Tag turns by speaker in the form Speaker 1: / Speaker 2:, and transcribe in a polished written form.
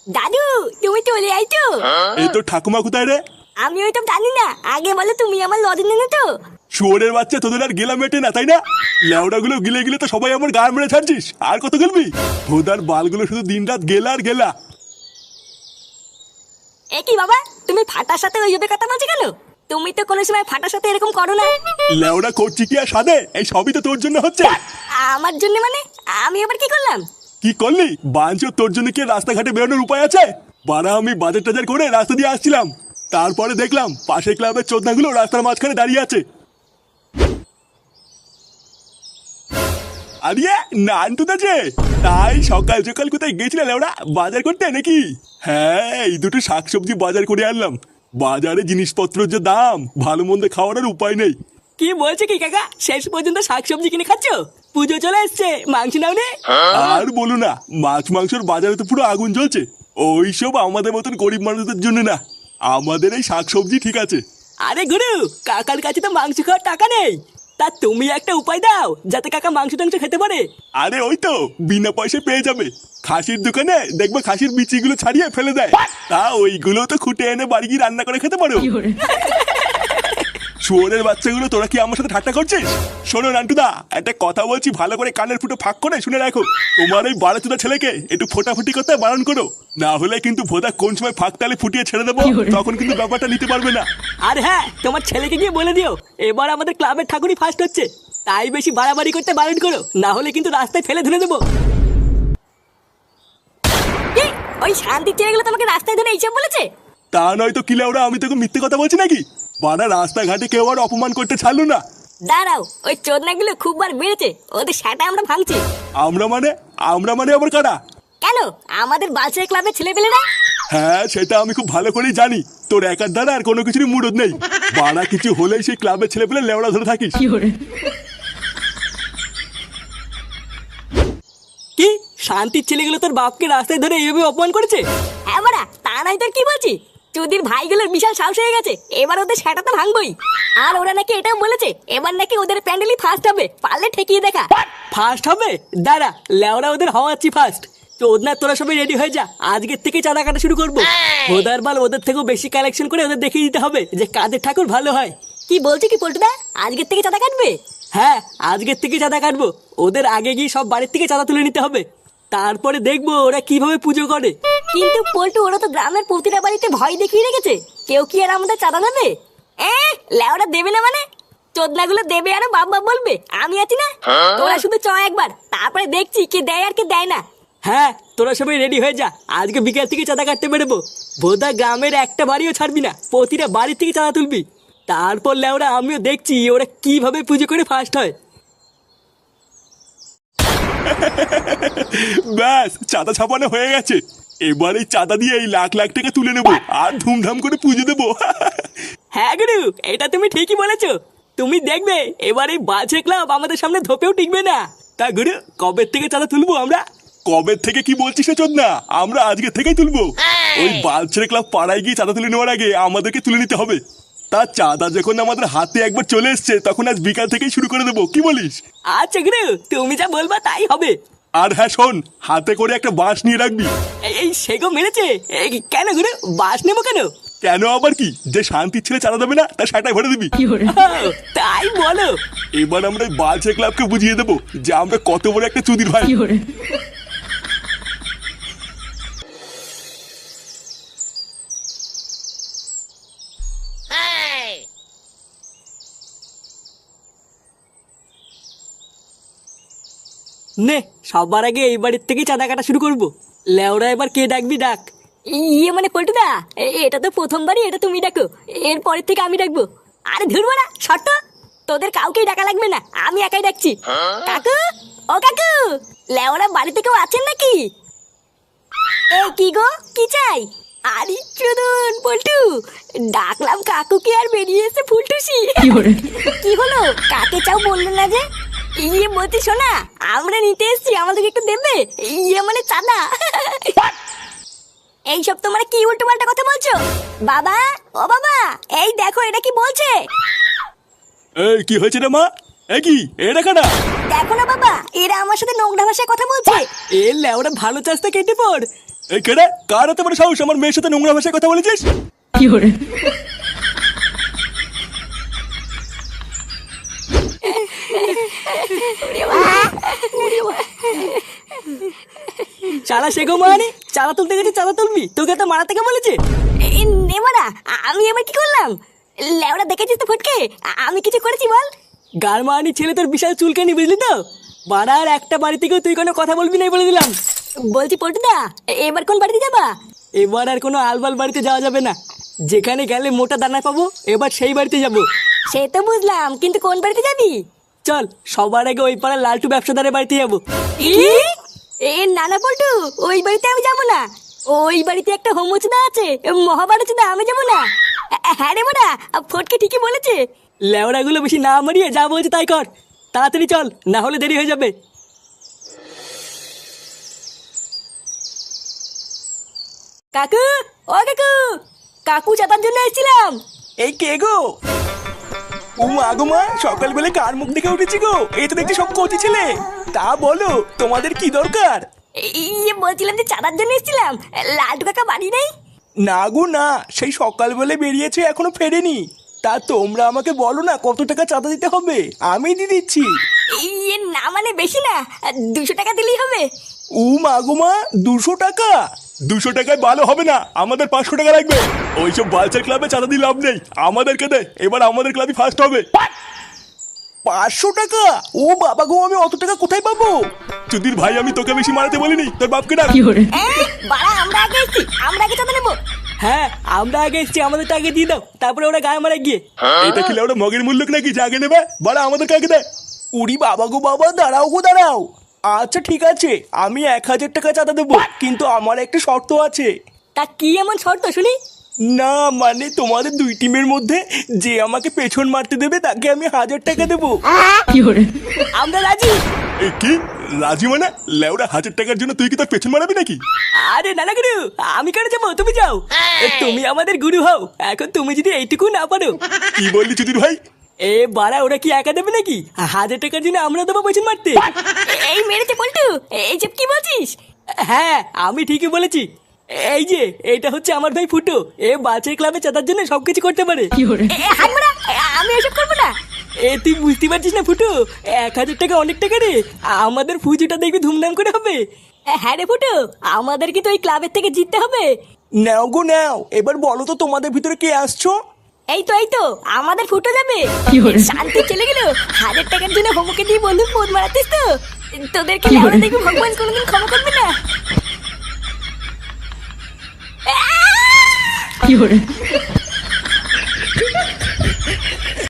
Speaker 1: দাদু, তুমি চলে আইছো?
Speaker 2: এই তো ঠাকুমা কোথায় রে?
Speaker 1: আমি ওই তো জানি না, আগে বলো তুমি আমার লজেন এনে তো।
Speaker 2: শুয়োরের বাচ্চা, তোদের আর গেলা মেটে না তাই না? লেওড়া গুলো গিলে গিলে তো সবাই আমার গায়ে মেরে ছাড়ছিস, আর কত গেলবি? ভোদার বালগুলো শুধু দিন রাত গেলা আর গেলা।
Speaker 1: এ কি বাবা, তুমি ফাটার সাথে ওইভাবে কথা বলছো কেন? তুমি তো কোনো সময় ফাটার সাথে এরকম করো না।
Speaker 2: লেওড়া করছি কি আর সাদে? এই সবই তো তোর জন্য হচ্ছে।
Speaker 1: আমার জন্য মানে? আমি আবার কি করলাম?
Speaker 2: কি করলি বাঞ্চো? তোর জন্য কি রাস্তাঘাটে বেরোনোর উপায় আছে? বাড়া, আমি বাজার টাজার করে রাস্তা দিয়ে আসছিলাম, তারপরে দেখলাম পাশের ক্লাবের চোদনাগুলো রাস্তার মাঝখানে দাঁড়িয়ে আছে। আরে নান্টুদা যে, তাই সকাল সকাল কোথায় গেছিলে লেওড়া? বাজার করতে নাকি? হ্যাঁ, এই দুটো শাকসবজি বাজার করে আনলাম। বাজারে জিনিসপত্রের যে দাম, ভালো মন্দ খাওয়ার আর উপায় নেই।
Speaker 3: কি বলছে কি কাকা, শেষ পর্যন্ত শাকসবজি কিনে খাচ্ছ? পুজো চলে এসছে, মাংস নাও নে।
Speaker 2: আর বলো না, মাছ মাংসের বাজারে তো পুরো আগুন জ্বলছে। ওইসব আমাদের মতন গরিব মানুষদের জন্য না, আমাদের এই শাকসবজি ঠিক আছে।
Speaker 3: আরে গুরু, কাকার কাছে তো মাংস খাওয়ার টাকা নেই, তা তুমি একটা উপায় দাও যাতে কাকা মাংস টাংস খেতে পারে।
Speaker 2: আরে ওই তো, বিনা পয়সায় পেয়ে যাবে। খাসির দোকানে দেখবে খাসির বিচিগুলো ছাড়িয়ে ফেলে দেয়, তা ওইগুলো তো খুঁটে এনে বাড়ি গিয়ে রান্না করে খেতে পারো। শুয়োরের বাচ্চাগুলো, তোরা কি আমার সাথে ঠাট্টা করছিস? শোনো নান্টুদা, একটা কথা বলছি, ভালো করে কানের ফুটো ফাঁক করে শুনে রাখো। তোমার ওই বাড়াচুদা ছেলেকে একটু ফোটাফুটি করতে বারণ করো, না হলে কিন্তু ভোদা কোন সময় ফাঁক তালে ফুটিয়ে ছেড়ে দেবো, তখন কিন্তু ব্যাপারটা নিতে পারবে না।
Speaker 3: আর হ্যাঁ, তোমার ছেলেকে গিয়ে বলে দিও এবার আমাদের ক্লাবের ঠাকুরই ফার্স্ট হচ্ছে, তাই বেশি বাড়াবাড়ি করতে বারণ করো, না হলে কিন্তু রাস্তায় ফেলে ধরে দেবো।
Speaker 1: কি? ওই শান্তি ছেলেগুলো তোমাকে রাস্তায় ধরে এইসব বলেছে?
Speaker 2: তা নয় তো, কিলে ওরা, আমি তোকে মিথ্যে কথা বলছি নাকি? বাড়া, রাস্তাঘাটে কেউ আর অপমান করতে ছাড়লো না।
Speaker 1: দাঁড়াও, ওই চোদনাগুলো খুব বার বেড়েছে, ওদের সেটা আমরা ভাঙছি।
Speaker 2: আমরা মানে আবার কারা?
Speaker 1: কেন, আমাদের বালছের ক্লাবের ছেলেপেলেরা।
Speaker 2: হ্যাঁ, সেটা আমি খুব ভালো করেই জানি। তোর একার দ্বারা আর কোনো কিছুরই মুরদ নেই। বাড়া, কিছু হলেই সেই ক্লাবের ছেলে পেলে লেওড়া ধরে থাকিস।
Speaker 3: কি শান্তির ছেলেগুলো তোর বাপকে রাস্তায় ধরে এইভাবে অপমান করেছে?
Speaker 1: হ্যাঁ বাড়া, তা নাই তোর কি বলছি? চুদির ভাইগুলোর বিশাল সাহস হয়ে গেছে, এবার ওদের সেটা তো ভাঙবই। আর ওরা নাকি এটাও বলেছে এবার নাকি ওদের প্যান্ডেলই ফার্স্ট হবে, পারলে ঠেকিয়ে দেখা।
Speaker 3: ফার্স্ট হবে? দাঁড়া, লেওরা ওদের হওয়াচ্ছি ফার্স্ট। চোদনা, তোরা সবাই রেডি হয়ে যা, আজকের থেকে চাঁদা কাটা শুরু করবো। ওদের বাল ওদের থেকেও বেশি কালেকশন করে ওদের দেখিয়ে দিতে হবে যে কাদের ঠাকুর ভালো হয়।
Speaker 1: কি বলছি কি পল্টুদা, আজকের থেকে চাঁদা কাটবে?
Speaker 3: হ্যাঁ, আজকের থেকে চাঁদা কাটবো। ওদের আগে গিয়ে সব বাড়ির থেকে চাঁদা তুলে নিতে হবে, তারপরে দেখবো ওরা কিভাবে পুজো করে।
Speaker 1: কিন্তু পল্টু, ওরা তো গ্রামের প্রতিটা বাড়িতে ভয় দেখিয়ে রেখেছে, কেউ কি আর আমাদের চাঁদা দেবে? লেওরা দেবে না মানে? চোদনাগুলো দেবে আর বাপ বাপ বলবে, আমি আছি না। তোরা শুধু চ একবার, তারপরে দেখছি কে দেয় আর কে দেয় না।
Speaker 3: হ্যাঁ, তোরা সবাই রেডি হয়ে যা, আজকে বিকেল থেকে চাঁদা কাটতে বেরোবো। বোধা গ্রামের একটা বাড়িও ছাড়বি না, প্রতিটা বাড়ি থেকে চাঁদা তুলবি। তারপর লেওরা আমিও দেখছি ওরা কিভাবে পুজো করে ফার্স্ট হয়।
Speaker 2: ব্যাস, চাঁদা ছাপানো হয়ে গেছে। এবার এই চাঁদা দিয়ে এই লাখ লাখ টাকা তুলে নেবো আর ধুমধাম করে পুজো দেবো।
Speaker 3: হ্যাঁ গুরু, এটা তুমি ঠিকই বলেছো। তুমি দেখবে এবার এই বাজে ক্লাব আমাদের সামনে ধোপেও টিকবে না। তা গুরু, কবে থেকে চাঁদা তুলবো আমরা?
Speaker 2: কবে থেকে কি বলছিস না চোদনা? আমরা আজকে থেকেই তুলবো। ওই বালছেড়ে ক্লাব পাড়ায় গিয়ে চাঁদা তুলে নেওয়ার আগে আমাদেরকে তুলে নিতে হবে। তা চাঁদা যখন আমাদের হাতে একবার চলে এসছে, তখন আজ বিকাল থেকেই শুরু করে দেবো, কি বলিস?
Speaker 3: আচ্ছা গুরু, তুমি যা বলবা তাই হবে।
Speaker 2: আর হ্যাঁ শোন, হাতে করে একটা বাঁশ নিয়ে রাখবি।
Speaker 3: এই সেগো মেরেছে। কেন গুরু, বাস নেবো কেন?
Speaker 2: কেন আবার কি, যে শান্তির ছেলে চাঁদা দেবে না তার সেটাই ভরে দিবি।
Speaker 3: ও, তাই বলো।
Speaker 2: এবার আমরা এই বালছেড়ে ক্লাবকে বুঝিয়ে দেবো যে আমরা কত বড় একটা চুদির ভাই।
Speaker 3: নে, সবার আগে এই বাড়ির থেকে চাঁদা কাটা শুরু করবো। লেওরা এবার কে ডাকবি ডাক।
Speaker 1: ইয়ে মানে পল্টুদা, এটা তো প্রথমবারই, এটা তুমি ডাকো, এর পরের থেকে আমি ডাকবো। আরে ধরবো না, শর্ত তোদের কাউকেই ডাকা লাগবে না, আমি একাই ডাকছি। কাকু, ও কাকু, লেওরা বাড়িতে কেউ আছেন নাকি? এ কি গো, কি চাই? আরে চুদন পল্টু, ডাকলাম কাকুকে আর বেরিয়ে এসে ফুলটুসি। কি হলো, কাকে চাও বললো না যে? ইয়ে বলছি শোনা, আমরা নিতে এসছি, আমাদেরকে একটু দেবে? ইয়ে মানে চাঁদা। এইসব তোমরা কি উল্টো পাল্টা কথা বলছো? বাবা, ও বাবা, এই দেখো এটা কি বলছে।
Speaker 2: এই কি হয়েছে রে মা? এ কি, এটা কাটা?
Speaker 1: দেখো না বাবা, এরা আমার সাথে নোংরা ভাষায় কথা বলছে।
Speaker 3: এ লেওরা ভালো চাষটা কেটে পড়।
Speaker 2: এই কেডা কার এত বড় সাহস আমার মেয়ের সাথে নোংরা ভাষায় কথা বলেছিস?
Speaker 3: চালা শেখো মানে চালা তুলতে গেছে চালা তুলবি, তোকে তো মারা থেকে বলেছে।
Speaker 1: নেমারা আমি এবার কি করলাম? লেওরা দেখেছিস তো ফটকে, আমি কিছু করেছি বল?
Speaker 3: গারমানি ছেলে তোর বিশাল চুলকানি, বুঝলি তো? বাড়ার একটা বাড়ি থেকেও তুই কোনো কথা বলবি না বলে দিলাম।
Speaker 1: বলছি পল্টুদা, এবার কোন বাড়িতে যাবা?
Speaker 3: এবার আর কোনো আলবাল বাড়িতে যাওয়া যাবে না। যেখানে গেলে মোটা দানা পাবো এবার সেই বাড়িতে যাব।
Speaker 1: সে তো বুঝলাম, কিন্তু কোন বাড়িতে যাবি?
Speaker 3: চল সবার আগে ওই পাড়ার লালটু ব্যবসাদারের বাড়িতে যাবো।
Speaker 1: নানা পল্টু, ওই বাড়িতে আমি যাবো না। ওই বাড়িতে একটা হোমচুদা আছে, মহাভারতদা, আমি যাবো না। হ্যাঁ রে মোরা, ফটকে ঠিকই বলেছে।
Speaker 3: লেওড়াগুলো বেশি না মারিয়ে যা বলছে তাই কর, তাড়াতাড়ি চল, না হলে দেরি হয়ে যাবে।
Speaker 1: কাকু, ও কাকু, কাকু চাতার জন্য এসেছিলাম।
Speaker 3: এই কে গো? ও মা গো মা, সকালবেলা কার মুখ দেখে উঠেছি গো? এই তো দেখছি সব কচি ছেলে। তা বলো তোমাদের কি দরকার?
Speaker 1: বলছিলাম যে চাঁদার জন্য এসেছিলাম। লালটু কাকা বাড়ি নেই?
Speaker 3: না গো না, সেই সকালবেলা বেরিয়েছে এখনো ফেরেনি। তা তোমরা আমাকে বলো না কত টাকা চাঁদা দিতে হবে, আমি দিয়ে দিচ্ছি।
Speaker 1: না মানে বেশি না, 200 টাকা দিলেই হবে।
Speaker 3: ও মা গো মা, 200 টাকা?
Speaker 2: 200 টাকায় ভালো হবে না, আমাদের 500 টাকা লাগবে। ওইসব বালচার ক্লাবে চাঁদা দিয়ে লাভ নেই, আমাদেরকে দে, এবার আমাদের ক্লাবই ফার্স্ট হবে।
Speaker 3: 500 টাকা? ও বাবা গো, আমি অত টাকা কোথায় পাবো?
Speaker 2: চুদির ভাই, আমি তোকে বেশি মারাতে বলিনি, তোর বাপকে ডাক।
Speaker 1: বাড়া, আমরা আগে এসেছি, আমরা আগে চাঁদা নেবো।
Speaker 3: হ্যাঁ আমরা আগে এসছি, আমাদের আগে দিয়ে দাও, তারপরে ওরা গায়ে মারা গিয়ে।
Speaker 2: এটা কি ওটা মগের মূল্য নাকি যে আগে নেবে? বাড়া আমাদেরকে আগে দে।
Speaker 3: উড়ি বাবা গো বাবা, দাঁড়াও গো দাঁড়াও। আচ্ছা ঠিক আছে, আমি 1000 টাকা চাঁদা দেবো, কিন্তু আমার একটা শর্ত আছে।
Speaker 1: তা কি এমন শর্ত শুনি?
Speaker 3: না মানে তোমাদের দুই টিমের মধ্যে যে আমাকে পেছন মারতে দেবে তাকে আমি 1000 টাকা দেবো।
Speaker 1: আমরা রাজি।
Speaker 2: এ কি রাজি মানে? লেওড়া 1000 টাকার জন্য তুই কি তোর পেছন মারাবি নাকি?
Speaker 3: আরে নানা গুরু, আমি কেন যাবো, তুমি যাও। তুমি আমাদের গুরু হও, এখন তুমি যদি এইটুকু না পারো।
Speaker 2: কি বললি চুদির ভাই?
Speaker 3: এ বাড়া, ওরা কি একা দেবে নাকি? 1000 টাকার জন্য আমরা দেবো পেছন মারতে?
Speaker 1: এই মেরেছে পল্টু, এইসব কি বলছিস?
Speaker 3: হ্যাঁ আমি ঠিকই বলেছি। এই যে এটা হচ্ছে আমার ভাই ফুটো, এ বাচ্চার ক্লাবে চাঁদার জন্য সবকিছু করতে পারে।
Speaker 1: হাত মারা, আমি এসব করবো না।
Speaker 3: এ তুই বুঝতে পারছিস না ফুটো, 1000 টাকা অনেক টাকা রে, আমাদের পুজোটা দেখবি ধুমধাম করে হবে।
Speaker 1: হ্যাঁ রে ফুটু, আমাদের কি তো ওই ক্লাবের থেকে জিততে হবে?
Speaker 3: নাও গো নাও, এবার বলো তো তোমাদের ভিতরে কে আসছো?
Speaker 1: এই তো আমাদের ফুটো যাবে। শান্তি চলে গেল। 1000 টাকার জন্য হোমকে দিয়ে বন্ধু পোদ মারাতিস তো? তোদেরকে লেওড়া দেখবি ভগবান কোনোদিন ক্ষমা করবে না।